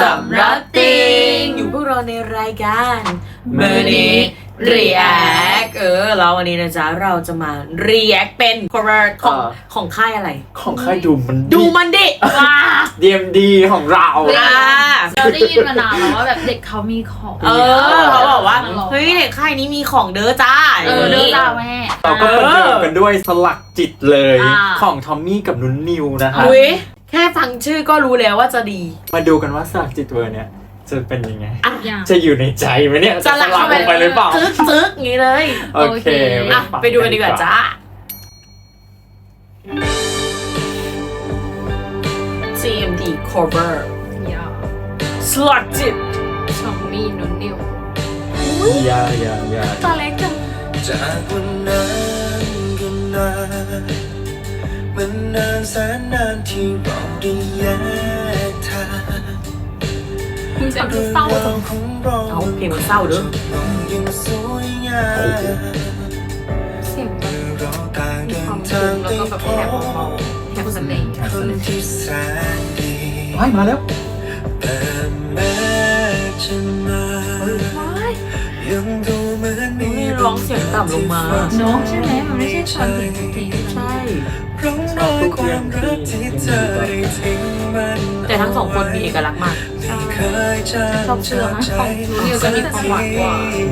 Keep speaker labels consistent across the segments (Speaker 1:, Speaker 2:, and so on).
Speaker 1: สำรับติง
Speaker 2: อยู่พวกเราในรายการ
Speaker 1: Money React
Speaker 2: แล้ววันนี้นะจ๊ะเราจะมา react เป็น cover ของค่ายอะไร
Speaker 3: ของค่ายดูมัน
Speaker 2: ดูมันดิ
Speaker 3: DMD ของเรา
Speaker 1: เราได้ยินมานานแล้วว่าแบบเด็กเขามีของ
Speaker 2: เขาบอกว่าเฮ้ยเด็กค่ายนี้มีของเด้อจ้า
Speaker 1: เด้อจ้าแม่
Speaker 3: เราก็ประเดิมกันด้วยสลักจิตเลย
Speaker 1: อ่า
Speaker 3: ของทอมมี่กับนุ้นนิวนะคะ
Speaker 2: อุ้ยแค่ฟังชื่อก็รู้แล้วว่าจะดี
Speaker 3: มาดูกันว่าสลักจิตเวอร์เนี่ยจะเป็นยังไง
Speaker 1: อย่าง
Speaker 3: จะอยู่ในใจไหมเนี่ย
Speaker 2: สลัก
Speaker 3: ลงไปเลยเปล่า
Speaker 2: ซึกอย่างนี้เลย
Speaker 3: โอเค
Speaker 2: อ่ะไปดูกันดีกว่าจ้า CMD cover
Speaker 1: อย่า
Speaker 2: slot จิต
Speaker 1: ชองมีนุ่นนิว
Speaker 3: อย่า
Speaker 1: ตาเล็กจัง
Speaker 4: จากวันนั้นกันนานมันนานแสนนานที่เราได้แยกทาง
Speaker 1: มึงจะดู
Speaker 4: เรื่อง
Speaker 1: เศร้าร
Speaker 4: าวของเรา
Speaker 2: เอาเพลงมันเศร้าเด้อ
Speaker 4: ลงยังสวยงาม
Speaker 1: เสียงแบบ
Speaker 4: เมื่อเราต่าง
Speaker 1: มี
Speaker 4: เดิ
Speaker 1: ความ
Speaker 4: น
Speaker 1: สู
Speaker 4: ทาง
Speaker 1: งแล้ว
Speaker 4: ไป
Speaker 1: ก็แบบ
Speaker 4: พ
Speaker 1: แห
Speaker 4: บบ
Speaker 1: เบาๆแหบเสน่ห์
Speaker 4: คนที่แสนดี
Speaker 3: ว้ายมาแล้ว
Speaker 4: แต่แม้จะมายังดูเหมือนมี
Speaker 2: นี่ร้องเสียงต่ำลงมา
Speaker 1: เนาะใช่ไหมมันไม่ใช่ชอนถึงทุกที
Speaker 2: ใช่
Speaker 4: ร่องรอยความรักที่เธอได้ทิ้งมัน
Speaker 2: แต่ทั้งสองคนมีเอกลักษณ์มาก
Speaker 4: เคยจำ
Speaker 1: ชอบเชื่อไหมของนุ่นนิวจะมีความหวานกว่า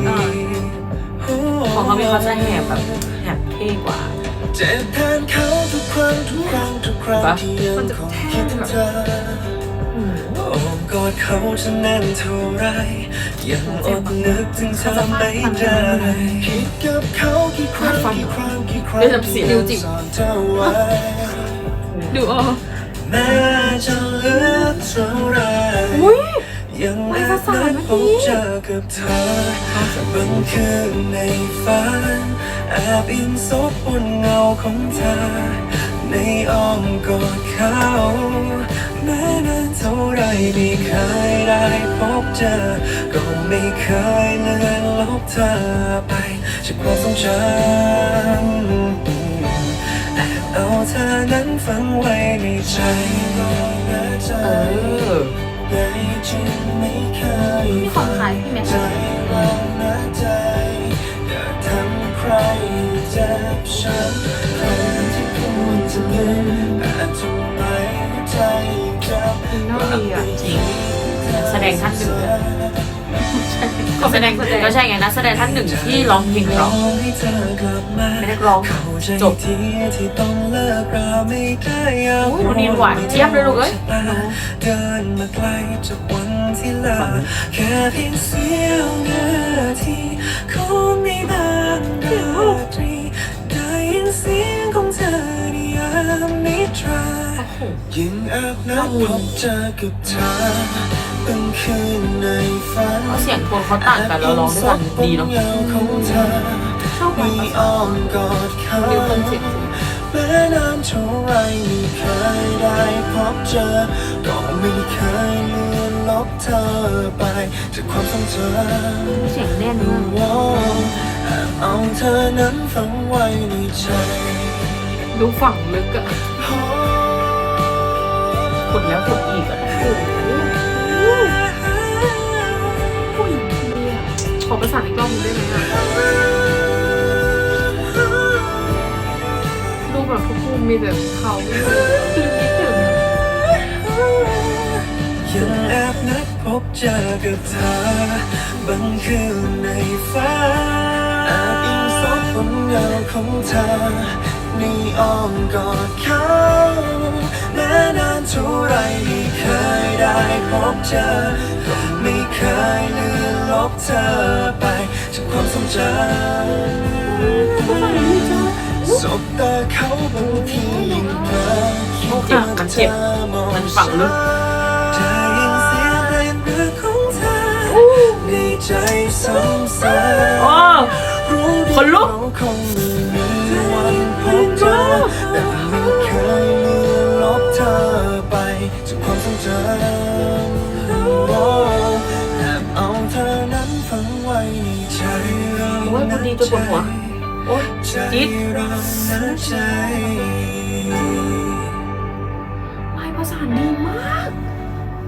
Speaker 2: ของเขามีเขาจะแหบแบบแหบเท่กว่า
Speaker 4: เจ็บแทนเขาทุกครั้งที่ยังคงคิดถึงเธอโอ้กอดเขาจะแน่นเท่าไรยังอดนึกถึงเธอไม่ได้คิดกับเขากี่ครั้งสอนเธอไว้
Speaker 1: ดูอ๋อ
Speaker 4: แม้จะเลือกเท่าไรยังแอบนัดพบเจอกับเธอบางคืนในฝันแอบอิงซบบนเงาของเธอในอ้อมกอดเขาแม้นานเท่าไรไม่เคยได้พบเจอก็ไม่เคยเลือนลบเธอไปจากความทรงจำแอบเอาเธอนั้นฝังไว้ในใจใหญ่จริงไม่เคย
Speaker 1: มีของขายพี่แม็ก
Speaker 4: ใจเราหน้าใจอย่าทำใครเจ็บช้ำใครที่ควรจะลืมแต่ทำไมใจจับ
Speaker 1: น่าดีอ่ะ
Speaker 2: จริงแสดงท่านหนึ่งก็แสดงก็ใช่ไงนะแสดงท่านหนึ่งที่ร้องเพลงเพราะ
Speaker 4: ให้เธอกลับมา
Speaker 2: ไม่ได้ร้อง
Speaker 4: เข้าใจ
Speaker 2: จบ
Speaker 4: ที่ต้องเลิกราไม่ได้อยาก
Speaker 2: โอ้ยวันนี้หวานเจี๊ยบเลยลูกเอ้ย
Speaker 4: เดินมาไกลจากวันที่ลาแค่เพียงเสี้ยวนาทีของในบางราตรีได้ยินเสียงของเธอในยามนิทรายิ่งแอบนัดพบเจอกับเธอเป็นคืนในฝัน
Speaker 2: เสียงโทนเขาต่างกันแล้วร้องด้วยกันดีเนาะ
Speaker 1: ชอบความ
Speaker 4: มี
Speaker 1: ภาษา
Speaker 4: อ้อมกอดเขา
Speaker 1: นิวคอนเซ็ปต์
Speaker 4: แม้นานเท่าไรไม่เคยได้พบเจอก็ไม่เคยเลือนลบเธอไปจากความทรงจำ
Speaker 1: เสียงแน่นมาก
Speaker 4: ว่าแอบเอาเธอนั้นฝังไว้ในใจ
Speaker 1: ดูฝั่งลึกอะ
Speaker 2: ขุดแล้วขุดอีกอ่ะ
Speaker 1: ขอประสานอีกรอบนึงได้ไหมอะดูแบบทุกมุมมีแต่เขาคิดถึง
Speaker 4: ยังแอบนัดพบเจอกับเธอบางคืนในฝันแอบอิงซบบนเงาของเธอในอ้อมกอดเขาแม้นานเท่าไรไม่เคยได้พบเจอก็ไม่เคยเลือนลบเธอไปจากความทรงจำสบตาเขาบางทียิ่งเพ้อคิดว่าเธอมอง
Speaker 2: มันฝังลึก
Speaker 4: ได้ยินเสียงเพลงรักของเธอในใจซ้ำ
Speaker 2: โอ้
Speaker 4: ๆรู้ดี
Speaker 2: คนลุก
Speaker 4: เราคงไม่มีวันพบเจอแต่ไม่เคยเลือนลบเธอไปจากความทรงจำแอบเอาเธอนั้นฝังไว้ในใจเรา
Speaker 2: โอ้ยคนดีจนปวดหัว โอ้ย
Speaker 4: ใจ
Speaker 2: จี๊ด
Speaker 4: เรานะใจ
Speaker 1: ลายภาษาดีมาก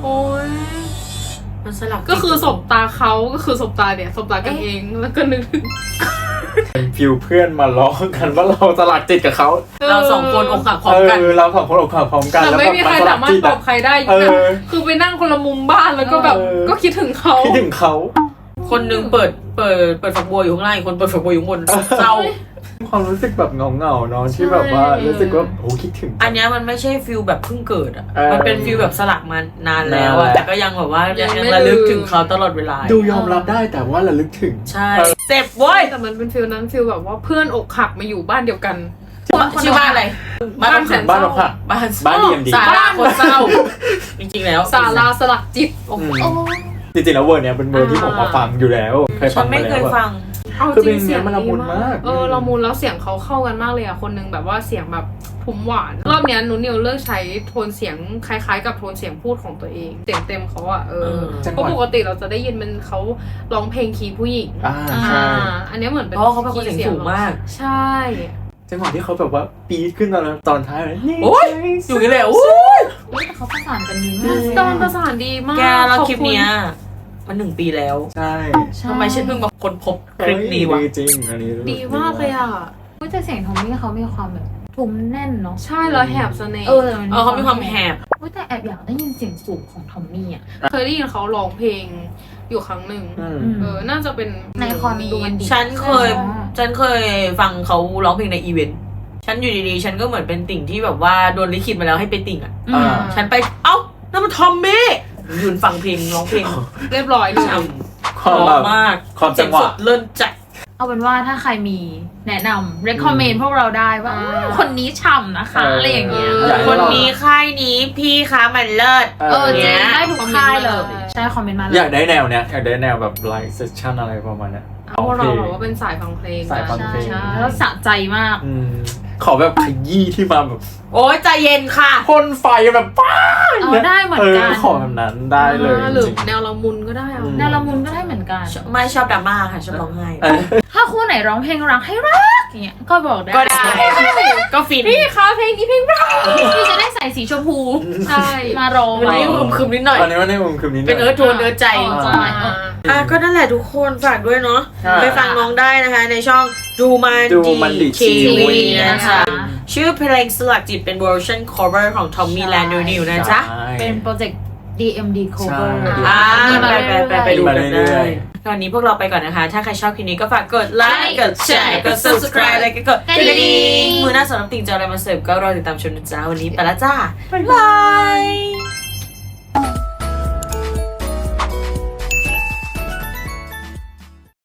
Speaker 5: โอ้ย
Speaker 2: มันสลับ
Speaker 5: ก็คือสบตาเขาก็คือสบตาเนี่ยสบตากันเองแล้วก็นึกถึง
Speaker 3: เป็นฟิวเพื่อนมาล้อกันว่าเราสลักจิตกับเขา
Speaker 2: เราสองคนอกหักพร้อมกัน
Speaker 3: เราสองคนอกหักพร้อมกัน
Speaker 5: แต่
Speaker 3: แล้ว
Speaker 5: ไม่
Speaker 3: แบบ
Speaker 5: มีใคร
Speaker 3: สลั
Speaker 5: สาก มารถ
Speaker 3: จิต
Speaker 5: ตอบใครได้อยู่นะคือไปนั่งคนละมุมบ้านแล้วก็แบบก็คิดถึงเขา
Speaker 3: คิดถึงเขา
Speaker 2: คนหนึงเปิดฝักบัวอยู่ข้างล่างอีกคนเปิดฝักบัวอยู่ข้างบนเศร้า
Speaker 3: ความรู้สึกแบบเงาเนาะที่แบบว่ารู้สึกว่าโอ้คิดถึง
Speaker 2: อันเนี้ยมันไม่ใช่ฟิลแบบเพิ่งเกิดอ่ะ
Speaker 3: เออ
Speaker 2: มันเป็นฟิลแบบสลักมานานแล้วอะ
Speaker 3: นานแล้ว
Speaker 2: แต่ก็ยังแบบว่ายังระลึกถึงเขาตลอดเวลา
Speaker 3: ดูยอมรับได้แต่ว่าระลึกถึง
Speaker 2: ใช่เจ็บเว้ย
Speaker 5: แต่มันเป็นฟิลนั้นฟิลแบบว่าเพื่อนอกหักมาอยู่บ้านเดียวกัน
Speaker 2: ชื่อบ้านอะไร
Speaker 5: บ้านแสน
Speaker 3: บ้านเราค่ะ
Speaker 2: บ้าน
Speaker 3: บ้าน DMD
Speaker 2: สาราคนเศร้า จริงๆแล้ว
Speaker 5: ศาลาสลักจิต
Speaker 3: อืม
Speaker 1: โอ้
Speaker 3: จริงๆแล้วเวอร์เนี้ยเป็นเวอร์ที่ผมมาฟังอยู่แล้วเคย
Speaker 2: ฉั
Speaker 3: ฟั
Speaker 2: น
Speaker 3: ง
Speaker 2: ไม่
Speaker 3: มา
Speaker 2: เค
Speaker 3: แล้
Speaker 2: ยว ฟัง
Speaker 5: เอา
Speaker 3: คือ
Speaker 5: จ
Speaker 3: เพล
Speaker 5: ริง
Speaker 3: ง
Speaker 5: เสียง
Speaker 3: เนี้ยมันละมุนมาก
Speaker 5: ละมุนแล้วเสียงเขาเข้ากันมากเลยอะคนนึงแบบว่าเสียงแบบทุ้มหวานรอบเนี้ยหนูนิวเลือกใช้โทนเสียงคล้ายๆกับโทนเสียงพูดของตัวเองเสียงเต็มเขาอะเพราะปกติเราจะได้ยินมันเขาร้องเพลงคีย์ผู้หญิง
Speaker 3: ใช่
Speaker 5: อันเนี้ยเหมือนเป็น
Speaker 2: เพราะว่าเขาเป็นคนเสียงสูงมาก
Speaker 5: ใช่
Speaker 3: จังหวะที่เขาแบบว่าปี๊ดขึ้นตอนท้ายเลยนี่
Speaker 2: โอ๊ย อยู่นี่เลยโอ้ย
Speaker 1: แต่เขาประสานกันดีมาก
Speaker 5: ตอนประสานดีมาก
Speaker 2: แกแล้ว
Speaker 5: ขอบ
Speaker 2: คลิป
Speaker 5: ณ
Speaker 2: เนี้ยมัน1 ปีแล้ว
Speaker 3: ใช่
Speaker 2: ทำไมฉันเพิ่งมาค้นพบคลิปนี้วะ
Speaker 3: ดีจริงอันนี้
Speaker 5: ดีมากเลยอะ
Speaker 1: แต่เสียงทอมมี่เขามีความแบบทุ้มแน่นเนาะ
Speaker 5: ใช่แล้วแหบเสน่ห์
Speaker 2: เขามีความแหบ
Speaker 1: แต่แอบอยากได้ยินเสียงสูงของทอมมี่อ่ะ
Speaker 5: เคยได้ยินเขาร้องเพลงอยู่ครั้งหนึ่ง
Speaker 3: อืม
Speaker 5: น่าจะเป็น
Speaker 1: ในคอนดูมันดี
Speaker 2: ฉันเคยฟังเขาร้องเพลงในอีเวนต์ ฉันอยู่ดีๆ ฉันก็เหมือนเป็นติ่งที่แบบว่าโดนลิขิตมาแล้วให้ไปติ่งอ่ะ
Speaker 1: อืม
Speaker 2: ฉันไป เอ้านั่นมันทอมมี่ยืนฟังเพลงร้องเพลง
Speaker 5: เรียบร้อยเลย
Speaker 2: ช่
Speaker 3: ความ
Speaker 2: ำ
Speaker 3: แบบ
Speaker 2: มาก
Speaker 3: ความจังหวะ
Speaker 2: เสียสดเลิ่นจัด
Speaker 1: เอาเป็นว่าถ้าใครมีแนะนำ recommend พวกเราได้ว่าคนนี้ฉ่ำนะคะ อะไรอย่างเงี้ย
Speaker 3: อยากให้
Speaker 2: คน
Speaker 3: เรา
Speaker 2: นี้ค่ายนี้พี่คะมันเลิศ
Speaker 1: จริงได้ทุกค่ายเลย
Speaker 5: คอมเมนต์มาเลย
Speaker 1: ใช่คอมเมนต์มาเล
Speaker 3: อย ยากได้แนวเนี้ยอยากได้แนวแบบไลฟ์เซสชั่นอะไรประมาณเนี้ย
Speaker 5: เพราะเราแบบว่าเป็นสายฟังเพลง
Speaker 3: สายฟังเพลง
Speaker 1: ใช่แล้วสะใจมาก
Speaker 3: อืมขอแบบขยี้ที่มาแบบ
Speaker 2: โอ้ยใจเย็นค่ะ
Speaker 3: พ่นไฟแบบป้า
Speaker 1: ได้เหมือนกัน
Speaker 3: ขอแบบนั้นได้เลย
Speaker 5: หรือ
Speaker 3: จริง
Speaker 5: แนวละมุนก็ได้เอา
Speaker 1: แนวละมุนก็ได้เหมือนกัน
Speaker 2: ไม่ชอบดราม่าค่ะชอบร้องไห้
Speaker 3: ๆเออ
Speaker 1: ถ้าคู่ไหนร้องเพลงรักให้รักอย่างเงี้ยก็บอกได้
Speaker 2: ก็ได้ ก็ฟิน
Speaker 5: พี่คะเพลงนี้เพลงรัก
Speaker 1: พี่จะได้ใส่สีชมพู
Speaker 5: ใช่
Speaker 1: มาร้อง
Speaker 2: วันนี้คึมๆนิดหน่อย
Speaker 3: ตอนนี้ว่าในมุมคืนนี้
Speaker 2: เป็นเอิร์ธโทนเอิร์ธใจ
Speaker 1: ใช่
Speaker 2: ก็นั่นแหละทุกคนฝากด้วยเนาะ
Speaker 3: ใช่
Speaker 2: ไปฟังน้องได้นะคะ ในช่องดูมัน
Speaker 3: ดูมันดิ
Speaker 2: ที
Speaker 3: ทีวี
Speaker 2: วีนะคะ ชื่อเพลงสลักจิตเป็นเวอร์ชัน cover ของ Tommy Land New นะจ๊ะ
Speaker 3: ใช่
Speaker 1: เป็นโปรเจกต์ DMD cover
Speaker 3: ใช่
Speaker 1: มีมาเรื่อยๆ
Speaker 2: ไปดูกัน
Speaker 3: เรื่
Speaker 2: ได้
Speaker 3: อย
Speaker 2: ตอนนี้พวกเราไปก่อนนะคะ ถ้าใครชอบคลิปนี้ก็ฝากกดไลค์กดแชร์กด subscribe แล้วก็กดกระดิ่งมือหน้าสำหรับติ่งจะอะไรมาเสิร์ฟก็รอติดตามชมนะจ๊ะวันนี้ไปละจ้าบ๊ายบาย